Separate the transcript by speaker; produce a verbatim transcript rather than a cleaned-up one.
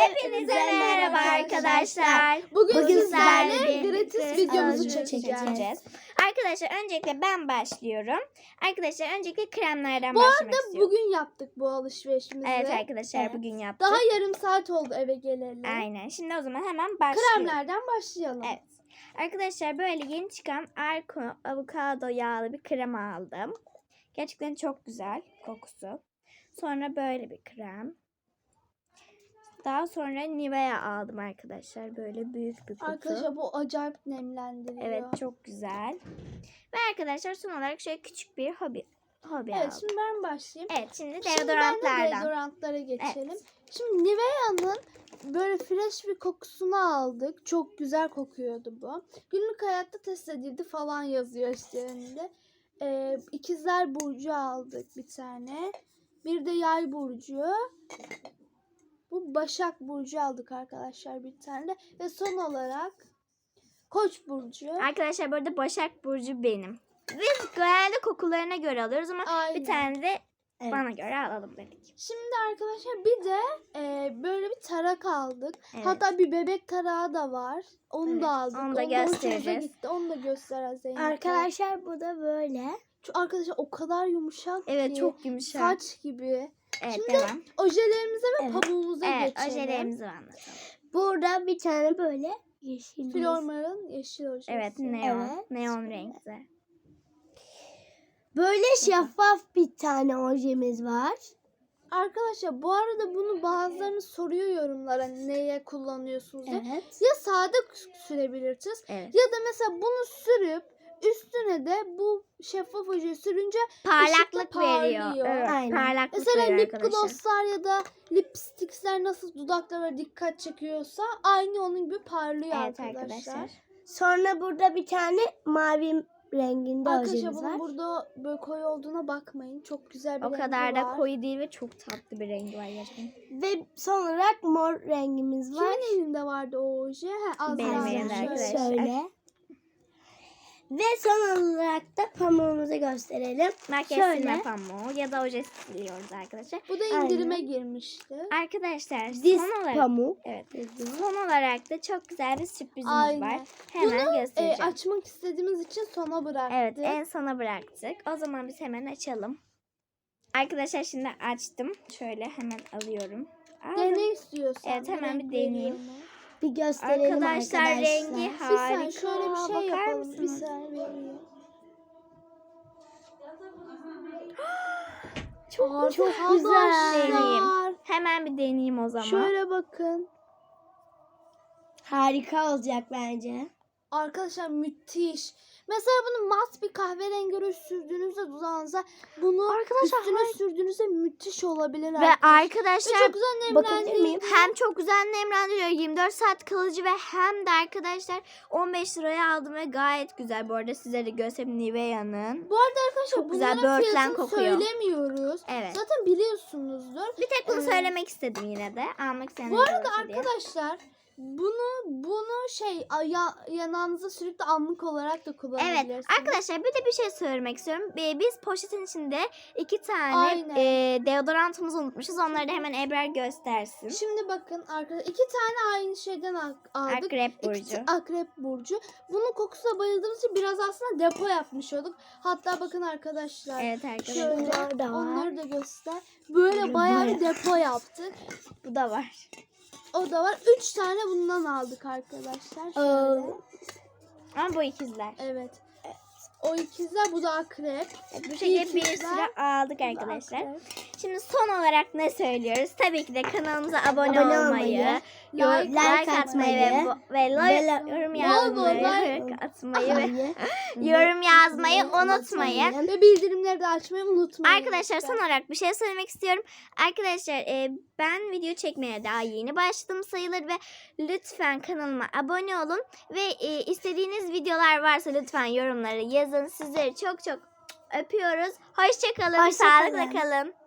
Speaker 1: Hepinize merhaba arkadaşlar.
Speaker 2: Bugün,
Speaker 1: Bugün
Speaker 2: sizlerle
Speaker 1: sizlerle
Speaker 2: gratis
Speaker 1: gratis
Speaker 2: videomuzu
Speaker 1: videomuzu
Speaker 2: çekeceğiz.
Speaker 1: çekeceğiz. Arkadaşlar öncelikle ben başlıyorum. Arkadaşlar öncelikle kremlerden
Speaker 2: Bu
Speaker 1: başlamak
Speaker 2: arada
Speaker 1: istiyorum.
Speaker 2: bugün yaptık bu alışverişimizi.
Speaker 1: Evet arkadaşlar
Speaker 2: Evet.
Speaker 1: bugün yaptık.
Speaker 2: Daha yarım saat oldu eve geleli.
Speaker 1: Aynen. Şimdi o zaman hemen başlıyorum.
Speaker 2: Kremlerden başlayalım.
Speaker 1: Evet. Arkadaşlar böyle yeni çıkan Arko avokado yağlı bir krem aldım. Gerçekten çok güzel kokusu. Sonra böyle bir krem. Daha sonra Nivea aldım arkadaşlar. Böyle büyük bir kutu.
Speaker 2: Arkadaşlar bu acayip nemlendiriyor.
Speaker 1: Evet çok güzel. Ve arkadaşlar son olarak şöyle küçük bir hobi hobi
Speaker 2: Evet
Speaker 1: aldım.
Speaker 2: şimdi ben başlayayım.
Speaker 1: Evet şimdi
Speaker 2: Şimdi ben de
Speaker 1: deodorantlardan.
Speaker 2: deodorantlara geçelim.
Speaker 1: Evet.
Speaker 2: Şimdi Nivea'nın böyle fresh bir kokusunu aldık. Çok güzel kokuyordu bu. Günlük hayatta test edildi falan yazıyor üstlerinde. Ee, İkizler Burcu aldık bir tane. Bir de Yay Burcu. Bu Başak Burcu aldık arkadaşlar bir tane de. Ve son olarak Koç Burcu.
Speaker 1: Arkadaşlar bu arada Başak Burcu benim. Biz genelde kokularına göre alıyoruz ama
Speaker 2: Aynen.
Speaker 1: bir tane de
Speaker 2: Evet.
Speaker 1: bana göre alalım dedik.
Speaker 2: Şimdi arkadaşlar bir de e, böyle bir tarak aldık.
Speaker 1: Evet.
Speaker 2: Hatta bir bebek tarağı da var. Onu
Speaker 1: Evet,
Speaker 2: da aldık.
Speaker 1: onu da
Speaker 2: hoşumuza
Speaker 1: göstereceğiz.
Speaker 2: gitti. Onu da göster Zeynep.
Speaker 3: Arkadaşlar bu da böyle.
Speaker 2: Şu arkadaşlar o kadar yumuşak
Speaker 1: Evet
Speaker 2: ki.
Speaker 1: çok yumuşak.
Speaker 2: Saç gibi.
Speaker 1: Evet
Speaker 2: Şimdi
Speaker 1: devam.
Speaker 2: Ojelerimize ve
Speaker 3: Evet.
Speaker 2: pamuğumuza
Speaker 1: Evet
Speaker 2: geçelim.
Speaker 1: ojelerimizi anlatalım.
Speaker 3: Burada bir tane böyle yeşil.
Speaker 2: Flormar'ın yeşil ojesi.
Speaker 1: Evet neon.
Speaker 3: Evet.
Speaker 1: Neon renkli.
Speaker 3: Böyle şeffaf bir tane ojemiz var.
Speaker 2: Arkadaşlar bu arada bunu bazılarını soruyor yorumlara neye kullanıyorsunuz diye.
Speaker 3: Evet.
Speaker 2: Ya sade sürebilirsiniz.
Speaker 1: Evet.
Speaker 2: Ya da mesela bunu sürüp üstüne de bu şeffaf ojeyi sürünce
Speaker 1: Parlaklık
Speaker 2: ışıkla
Speaker 1: veriyor.
Speaker 2: parlıyor.
Speaker 1: Evet,
Speaker 3: Aynen.
Speaker 1: parlaklık
Speaker 2: mesela
Speaker 1: veriyor
Speaker 2: lip
Speaker 1: arkadaşlar.
Speaker 2: glosslar ya da lipstickler nasıl dudaklara dikkat çekiyorsa aynı onun gibi parlıyor
Speaker 1: Evet
Speaker 2: arkadaşlar.
Speaker 1: arkadaşlar.
Speaker 3: Sonra burada bir tane mavi renginde
Speaker 2: Arkadaşlar
Speaker 3: ojemiz
Speaker 2: bunun
Speaker 3: var.
Speaker 2: burada böyle koyu olduğuna bakmayın. Çok güzel bir
Speaker 1: O
Speaker 2: rengi
Speaker 1: kadar da
Speaker 2: var.
Speaker 1: koyu değil ve çok tatlı bir rengi var gerçekten.
Speaker 3: Ve son olarak mor rengimiz var.
Speaker 2: Kimin elinde vardı o oje? Ha, Azra.
Speaker 1: Benim elimde
Speaker 2: Şöyle.
Speaker 1: arkadaşlar.
Speaker 3: Şöyle. Ve son olarak da pamuğumuzu gösterelim.
Speaker 1: Makyaj
Speaker 3: Şöyle.
Speaker 1: silme pamuğu ya da oje siliyoruz arkadaşlar.
Speaker 2: Bu da indirime girmişti.
Speaker 1: Arkadaşlar
Speaker 3: Diz
Speaker 1: son olarak
Speaker 3: pamuk.
Speaker 1: evet, son olarak da çok güzel bir sürprizimiz
Speaker 2: Aynen.
Speaker 1: var. Hemen
Speaker 2: E,
Speaker 1: göstereceğim.
Speaker 2: açmak istediğimiz için sona bıraktık.
Speaker 1: Evet en sona bıraktık. O zaman biz hemen açalım. Arkadaşlar şimdi açtım. Şöyle hemen alıyorum. Aldım.
Speaker 2: Dene istiyorsan.
Speaker 1: Evet, hemen
Speaker 2: renk
Speaker 1: bir deneyeyim.
Speaker 2: veriyorum.
Speaker 3: Bir gösterelim
Speaker 1: Arkadaşlar,
Speaker 3: arkadaşlar.
Speaker 1: rengi
Speaker 2: Bir saniye
Speaker 1: harika.
Speaker 2: şöyle bir şey
Speaker 1: Bakar
Speaker 2: yapalım. Bir
Speaker 1: mısınız?
Speaker 2: saniye veriyorum.
Speaker 1: Çok, çok
Speaker 2: Arkadaşlar,
Speaker 1: güzel. Deneyeyim. Hemen bir deneyeyim o zaman.
Speaker 2: Şöyle bakın.
Speaker 3: Harika olacak bence.
Speaker 2: Arkadaşlar müthiş. Mesela bunu mat bir kahverengi ruj sürdüğünüzde dudağınıza bunu
Speaker 1: Arkadaşlar,
Speaker 2: üstüne
Speaker 1: hayır.
Speaker 2: sürdüğünüzde müthiş olabilir.
Speaker 1: Ve
Speaker 2: Ve
Speaker 1: arkadaşlar
Speaker 2: çok güzel
Speaker 3: bakabilir
Speaker 2: nemlendi.
Speaker 3: miyim?
Speaker 1: hem çok güzel nemlendiriyor, yirmi dört saat kalıcı ve hem de arkadaşlar on beş liraya aldım ve gayet güzel. Bu arada size de göstereyim Nivea'nın.
Speaker 2: Bu arada arkadaşlar
Speaker 1: Çok güzel,
Speaker 2: bunların
Speaker 1: böğürtlen
Speaker 2: fiyatını
Speaker 1: kokuyor.
Speaker 2: söylemiyoruz.
Speaker 1: Evet.
Speaker 2: Zaten biliyorsunuzdur.
Speaker 1: Bir tek bunu
Speaker 2: Evet.
Speaker 1: söylemek istedim yine de. Almak isteyenler
Speaker 2: Bu arada
Speaker 1: olursa diye.
Speaker 2: arkadaşlar bunu bunu şey aya, yanağınıza sürüp de anlık olarak da kullanabilirsiniz.
Speaker 1: Evet arkadaşlar bir de bir şey söylemek istiyorum. Ee, Biz poşetin içinde iki tane
Speaker 2: Aynen.
Speaker 1: e, deodorantımızı unutmuşuz. Onları da hemen Ebrar göstersin.
Speaker 2: Şimdi bakın arkadaşlar iki tane aynı şeyden al- aldık.
Speaker 1: Akrep
Speaker 2: İkisi
Speaker 1: burcu.
Speaker 2: Akrep burcu. Bunun kokusuna bayıldığımız için biraz aslında depo yapmış olduk. Hatta bakın arkadaşlar.
Speaker 1: Evet arkadaşlar.
Speaker 2: Şöyle
Speaker 3: Bunlar da var.
Speaker 2: onları da göster. Böyle
Speaker 3: Böyle
Speaker 2: bayağı bir
Speaker 3: bayağı.
Speaker 2: depo yaptık.
Speaker 1: Bu da var.
Speaker 2: O da var. Üç tane bundan aldık arkadaşlar. Şöyle.
Speaker 1: Ama bu ikizler.
Speaker 2: Evet. O ikizler bu da akrep.
Speaker 1: Bu şekilde bir
Speaker 2: İkizler,
Speaker 1: sürü aldık
Speaker 2: bu da
Speaker 1: arkadaşlar.
Speaker 2: akrep.
Speaker 1: Şimdi son olarak ne söylüyoruz? Tabii ki de kanalımıza abone,
Speaker 3: Abone
Speaker 1: olmayı,
Speaker 3: olmayı,
Speaker 1: yor-
Speaker 2: like
Speaker 1: like, atmayı ve,
Speaker 3: atmayı,
Speaker 1: bu- ve, lo-
Speaker 3: ve la-
Speaker 1: yorum
Speaker 2: bol
Speaker 1: yazmayı,
Speaker 2: like
Speaker 1: atmayı ve
Speaker 3: Hayır.
Speaker 1: yorum yazmayı unutmayın.
Speaker 2: Ve bildirimleri de açmayı unutmayın.
Speaker 1: Arkadaşlar
Speaker 2: lütfen.
Speaker 1: son olarak bir şey söylemek istiyorum. Arkadaşlar e, ben video çekmeye daha yeni başladım sayılır ve lütfen kanalıma abone olun. Ve e, istediğiniz videolar varsa lütfen yorumlara yazın. Sizleri çok çok öpüyoruz. Hoşça kalın.
Speaker 3: Hoşça
Speaker 1: Sağlıkla
Speaker 3: kalın.
Speaker 1: kalın.